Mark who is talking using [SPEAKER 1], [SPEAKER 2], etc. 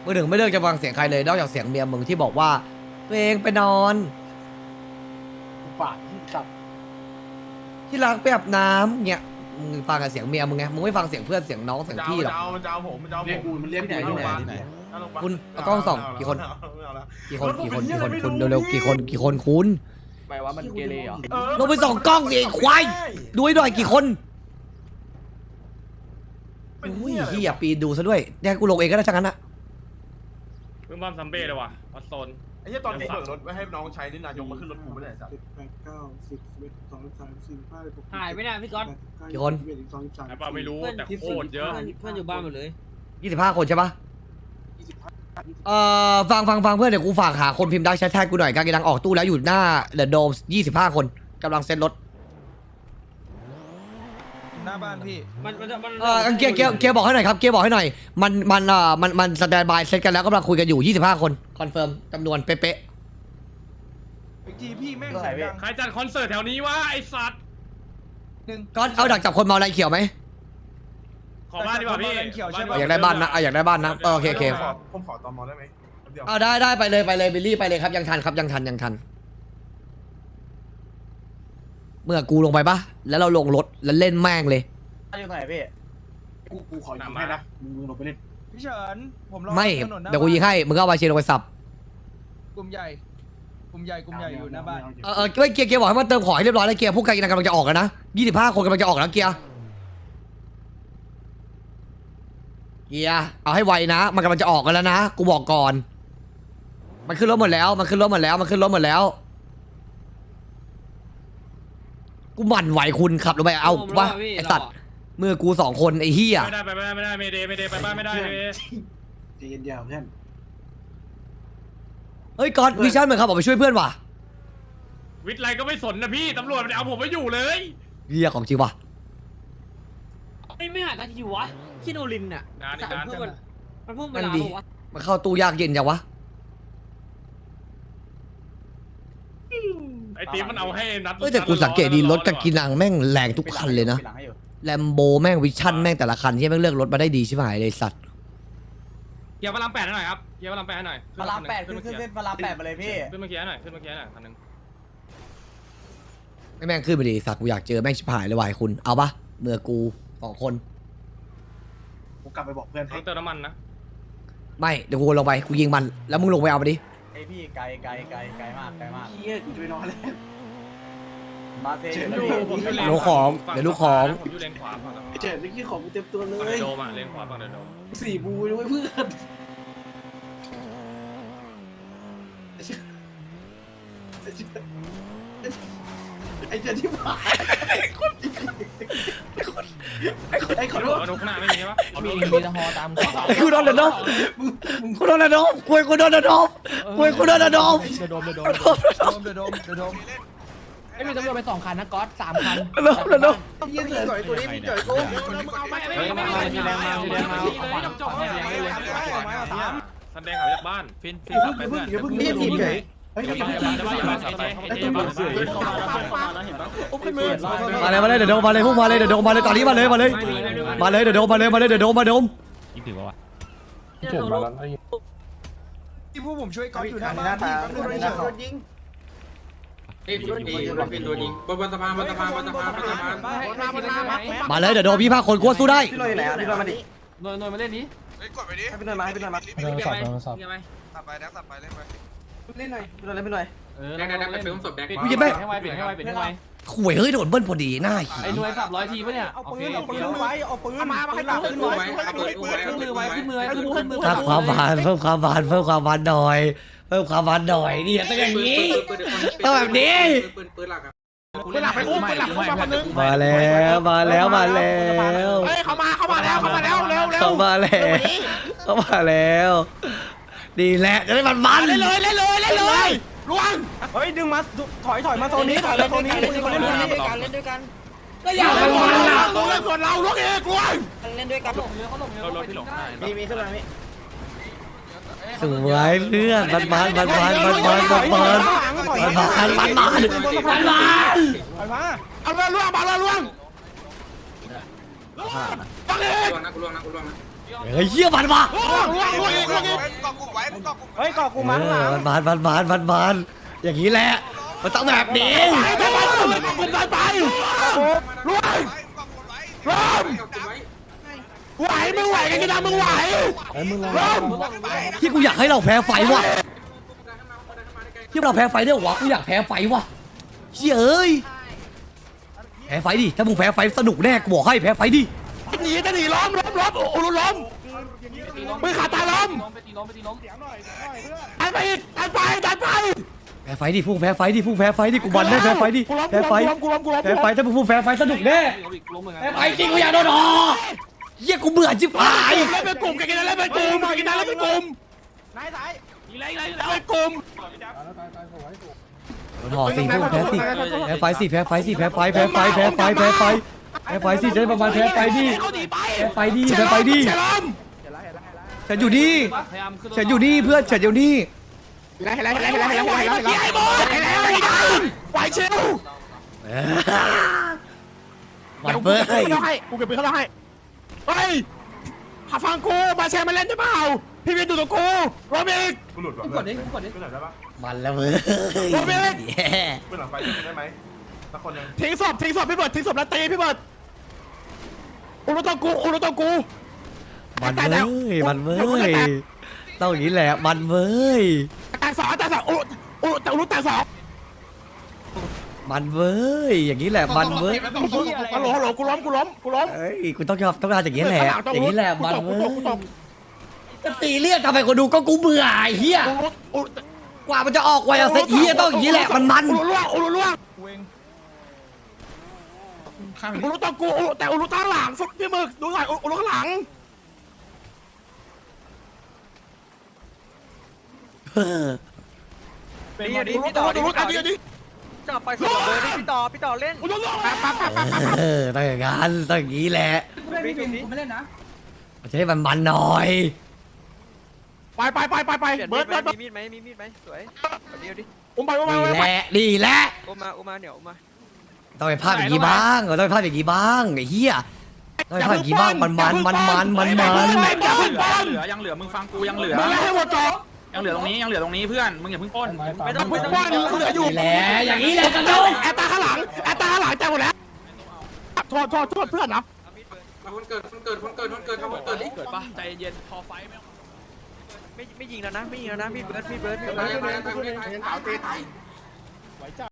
[SPEAKER 1] มึงถึงไม่เลือกจะฟังเสียงใครเลยนอกจากเสียงเมียมึงที่บอกว่าตัวเองไปนอน
[SPEAKER 2] ปากที่ขับ
[SPEAKER 1] ที่รักไปอาบน้ำเนี่ยมึงฟังกับเสียงเมียมึงไงมึงไม่ฟังเสียงเพื่อนเสียงน้องเสียงพี่หรอก
[SPEAKER 3] มันจะเอาผม
[SPEAKER 2] เรียกกูมันเรียกกูที่ไหน
[SPEAKER 1] คุณเอากล้องส่องกี่คนคุณเร็วๆกี่คนคุณ
[SPEAKER 2] หมายว่ามันเกเรเหรอ
[SPEAKER 1] ลงไปส่องกล้องสิควายดูให้หน่อยกี่คนอุ้ยเฮียปีนดูซะด้วยแดกกูลงเองก็ได้ช่างนั้นนะ
[SPEAKER 4] เพิ่งบ้ามซัมเบ้เลยว่ะวัดโซน
[SPEAKER 3] ไอ้เหี้ยตอนนี้เปิดรถไว้ให้น้องใช้นี่นายกมาขึ้นรถกูไม่ได้สัตว์
[SPEAKER 5] หายไปไหนพี่ก๊อต
[SPEAKER 1] กี่คน
[SPEAKER 4] เปล่าไม่รู้แต่โคตรเยอะ
[SPEAKER 5] เพื่อนอยู่บ้านหมดเลย
[SPEAKER 1] 25 คนใช่ปะฟังเพื่อนเดี๋ยวกูฝากหาคนพิมพ์ดักแชทแท็กกูหน่อยการกินดังออกตู้แล้วอยู่หน้าเดอะโดม25 คนกำลังเซ็ตรถ
[SPEAKER 6] หน้าบ้านพี่
[SPEAKER 1] เกียร์บอกให้หน่อยครับเกียร์บอกให้หน่อยมันสแตนบายเซ็ตกันแล้วกำลังคุยกันอยู่25 คนคอนเฟิร์มจำนวนเป๊ะ
[SPEAKER 6] อีกทีพี่แม่งเสียงดัง
[SPEAKER 4] ใครจัดคอนเสิร์ตแถวนี้วะไอสัตว์
[SPEAKER 1] ก็เอาดักจับคนเมาอะไรเขียวไหม
[SPEAKER 4] ขอบ้านดีกว่าพี่
[SPEAKER 1] อยากได้บ้านนะอยากได้บ้านนะโอเค
[SPEAKER 3] ผมขอตอมอได้ไหม
[SPEAKER 1] ได้ไปเลยบิลลี่ไปเลยครับยังทันครับยังทันเมื่อกูลงไปปะแล้วเราลงรถแล้วเล่นแม่งเลย
[SPEAKER 2] อยู่ไหนพี่กูขอยิงให้นะมึงลงไปเล่น
[SPEAKER 6] พี่เฉินผมรอ
[SPEAKER 1] ไม่เดี๋ยวกูยิงให้มึงก็เอาไปเชียร์ลงไปสับ
[SPEAKER 6] กลุ่มใหญ่อยู่หน้าบ้าน
[SPEAKER 1] ไม่เกียร์บอกให้มันเติมของให้เรียบร้อยแล้วเกียร์พวกการกินกำลังจะออกแล้วนะ25 คนกำลังจะออกแล้วเกียร์เอาให้ไวนะมันกำลังจะออกกันแล้วนะกูบอกก่อนมันขึ้นรถหมดแล้วกูหมั่นไหวคุณขับลงไปเอาวะไอสัตว์เมื่อกู2 คนไอเฮีย
[SPEAKER 4] ไม่ได้ไม่ได้ไปบ้านไม่ได้
[SPEAKER 2] ใจเย็นเดียวเพื่อน
[SPEAKER 1] เฮ้ยก๊อตวิชั่นเหมือนครับออกไปช่วยเพื่อนว่ะ
[SPEAKER 4] วิทย์ไรก็ไม่สนนะพี่ตำรวจมันเอาผมไม่อยู่เลย
[SPEAKER 1] เฮียของจริงว่ะ
[SPEAKER 5] ไม่หาตาทีวะคิโนลินอ่ะมันเพิ่มเวลาบอกว่า
[SPEAKER 1] มันเข้าตู้ยากเย็นจังวะ
[SPEAKER 4] ไอตีมันเอาให้นัด
[SPEAKER 1] แต่กูสังเกตดีรถกากินังแม่งแรงทุกคันเลยนะแลมโบแม่งวิชั่นแม่งแต่ละคันที่แม่งเลือกรถมาได้ดีใช่ไหมเลยสัตว์
[SPEAKER 4] เกียร์พลัง8หน่อยครับเกียร์พลัง8หน่อย
[SPEAKER 2] พลัง8ขึ้นพลัง8มาเลยพี่
[SPEAKER 4] ขึ้นมาเกียร์หน่อยคันนึง
[SPEAKER 1] แม่งขึ้นไปดีสัตว์กูอยากเจอแม่งชิบหายเลยว่ะคุณเอาปะเมื่อกู2 คน
[SPEAKER 2] กูกลับไปบอกเพื่อน
[SPEAKER 4] เติมน้ำมันนะ
[SPEAKER 1] ไม่เดี๋ยวกูลงไปกูยิงมันแล้วมึงลงไปเอาไปดิ
[SPEAKER 2] ไอพี่ไกลมากเฮียกูจะไปนอนแล้วมาเซ่เดี๋
[SPEAKER 1] ยวลูกของ
[SPEAKER 4] ผมอยู่เลนขวาฝั่ง
[SPEAKER 2] เจ๋งนี่ของกูเต็มตัวเลย
[SPEAKER 4] โดมาเลนขวาฝั่งเดินโดม
[SPEAKER 2] 4 บูด้วยเพื่อนไอ้เจ้าที่ผ่านไอ้คน
[SPEAKER 4] นุกหน้าไม่มีใช่ปะ
[SPEAKER 5] มีตะฮอตาม
[SPEAKER 1] กูโดนเดอกูโดนเดอกูโดนเดอ
[SPEAKER 5] ไม่มีตำรวจไป2 คันนะก๊อต3 คัน
[SPEAKER 2] ยืนเฉยตัวนี้มีเฉยกู
[SPEAKER 4] สันแดงเขาจากบ้านฟินสับไปเพื่อน
[SPEAKER 2] นี่ทีมเฉย
[SPEAKER 1] มาเลยเดี๋ยวโดมมาเลยพวกมาเลยเดี๋ยวโดมมาเลยตอนนี้มาเลยเดี๋ยวโดมมา
[SPEAKER 6] ยิงถึงวะผมมาแล้วที่พวกผมช่วยก๊อตอยู่หน้าบ้านพี่ก็โดนยิง
[SPEAKER 1] มาเลยเดี๋ยวโดม25 คนกลัวสู้ได้
[SPEAKER 2] พี่ลอยไหนพี่ลอยมาดิ
[SPEAKER 5] นอยมาเล่นนี้
[SPEAKER 3] กดไปดิ
[SPEAKER 2] ให้พี่ลอยมา
[SPEAKER 3] สับไปแล้วสับไปเล่นไป
[SPEAKER 2] เล่นหน่อยพี่ลอยเล่นไปหน่อย
[SPEAKER 4] ไปซื้อศพแดง
[SPEAKER 1] กูจะไม่
[SPEAKER 5] ให้ไว
[SPEAKER 1] ข่วยเฮ้ยโดนเบิ้ลพอดีหน้า
[SPEAKER 5] ไอ้หน่วย300 ทีปะเนี่ย
[SPEAKER 2] เอาปืนไว้เอาปืนมาให้หลังขึ้นไว้
[SPEAKER 5] ขึ้นมือ
[SPEAKER 1] ถ้าความหวานเพิ่มความหวานหน่อยนี่ต้องอย่างนี้ต้องแบบนี้มาแล้ว
[SPEAKER 3] เฮ้ยเข้ามาแล้วเร็ว
[SPEAKER 1] ดีแหละจะได้มันเล่นเลย
[SPEAKER 3] ล่วง
[SPEAKER 2] เฮ้ยดึงมาถอยมาโซนนี้ถอยมาโซนนี้เล่นด้วยกัน
[SPEAKER 5] ก็อยากเล่น
[SPEAKER 3] ส่วนเราล่วงเองล่วง
[SPEAKER 5] เล่นด้วยกัน
[SPEAKER 4] เขาหลง
[SPEAKER 2] มีขึ้นมาพี่
[SPEAKER 1] สวยเพื่อนมันเอาไป
[SPEAKER 3] ล่วง
[SPEAKER 1] เฮ้ยเหี้ยมันว่ะ
[SPEAKER 2] เฮ้ยเกาะกูมาข้างหลัง
[SPEAKER 1] มันอย่างนี้แหละมันต้องแบบนี้
[SPEAKER 3] กูตายไปรวยรวมไหวมึงไหวกันกี่ดำมึงไหวรวม
[SPEAKER 1] ที่กูอยากให้เราแพ้ไฟว่ะที่เราแพ้ไฟได้หรอวะกูอยากแพ้ไฟว่ะเชี่ยเอ้ยแพ้ไฟดิถ้ามึงแพ้ไฟสนุกแน่กูบอกให้แพ้ไฟดิ
[SPEAKER 3] จะหนีล้อมโอ้ล้มมือขาตายล้มดันไปอีกดันไป
[SPEAKER 1] แพ้ไฟดิพุ่งแพ้ไฟดิกูบันได้แพ้ไฟดิแพ้ไฟแพ้ไฟถ้ามึงพุ่งแพ้ไฟสนุกแน่แพ้ไฟจริงกูอยากโดนเฮียกูเบื่อจิ๋วหาย
[SPEAKER 3] เล่นเป็นกลุ่มกันเล่นเป็นกลุ่มกินเล่นเป็นกลุ่ม
[SPEAKER 2] นายสาย
[SPEAKER 3] แล้วเป็นกลุ่ม
[SPEAKER 1] ห่อสี่พุ่งแพ้สี่แพ้ไฟสิจะได้ประมาณแพ้ไฟดิฉันอยู่นี่เพื่อนฉันอยู่นี่
[SPEAKER 3] ไหวเชล
[SPEAKER 1] มันเบ้ย
[SPEAKER 3] กูเก็บปืนเขาให้เฮ้ยฟังกูมาแชร์มาเล่นได้เปล่าพี่เวียนดูตัวกูโรบิก
[SPEAKER 6] กูหลุดว่ะ
[SPEAKER 5] กดดิกดดิ
[SPEAKER 6] กูหลุดได้ปะ
[SPEAKER 1] มันแล้วเว้ย
[SPEAKER 6] กูหลังไฟได้ไหมสักคนนึง
[SPEAKER 3] ทิ้งศพพี่เบิร์ดทิ้งศพแล้วตีพี่เบิร์ดอุลุตองกู
[SPEAKER 1] มันเว้ยต้องอย่างนี้แหละมันเว้ย
[SPEAKER 3] แต่สองอุลุแต่อุลุแต่สอง
[SPEAKER 1] มันเว้ยอย่างนี้แหละมันเว้ย
[SPEAKER 3] ฮัลโหลกูล้ม
[SPEAKER 1] เอ้ยกูต้องการอย่างนี้แหละอย่างนี้แหละมันเว้ยก็ตีเรียกทำไมคนดูก็กูเบื่อไอ้เหี้ยกว่ามันจะออกไวอะเซ็ตเหี้ยต้องอย่างนี้แหละมัน
[SPEAKER 3] อุลุล่วงอุลุตองกูแต่อุลุตั้งหลังฟุกพี่มึกดูหน่อยอุลุข้างหลัง
[SPEAKER 2] นี่ดิพี่ต่อดิจับไปส่งเลยดิพี่ต่อเล่น
[SPEAKER 3] อุลุล่วง
[SPEAKER 1] ต้องอย่างนั้นต้องอย่างนี้แหละ
[SPEAKER 5] ผมไม่เล่นนะ
[SPEAKER 1] จะให้มันหน่อย
[SPEAKER 3] ไปเบิร์ด
[SPEAKER 2] มีมีดไหมสวยเดี๋ยวดิ
[SPEAKER 3] อุ้มไป
[SPEAKER 1] นี่แหละ
[SPEAKER 2] อุ้มมาเดี๋ยวอุ้มมา
[SPEAKER 1] ต้องไปภาพอย่างนี้บ้างต้องไปภาพอย่างนี้บ้างไอ้เหี้ยต้องไปภาพอย่างนี้บ้างมัน
[SPEAKER 4] ยังเหลือมึงฟังกูยังเหลือ
[SPEAKER 3] มึงให้หมดจบ
[SPEAKER 4] ยังเหลือตรงนี้เพื่อนมึงอย่าเพิ่งป้น
[SPEAKER 2] ไม่ต้อง
[SPEAKER 3] มึงว่านี่เหลืออยู่
[SPEAKER 1] นี่แหละอย่างนี้แหละกันดู
[SPEAKER 3] แอตตาข้างหลังใจหมดแล้วโทษเพื่อนนะ
[SPEAKER 2] คนเกิดทำคนเกิดดิ
[SPEAKER 4] เกิดปะใจเย็นพอไฟไม่
[SPEAKER 2] ไม่ยิงแล้วนะพี่เบิร์ด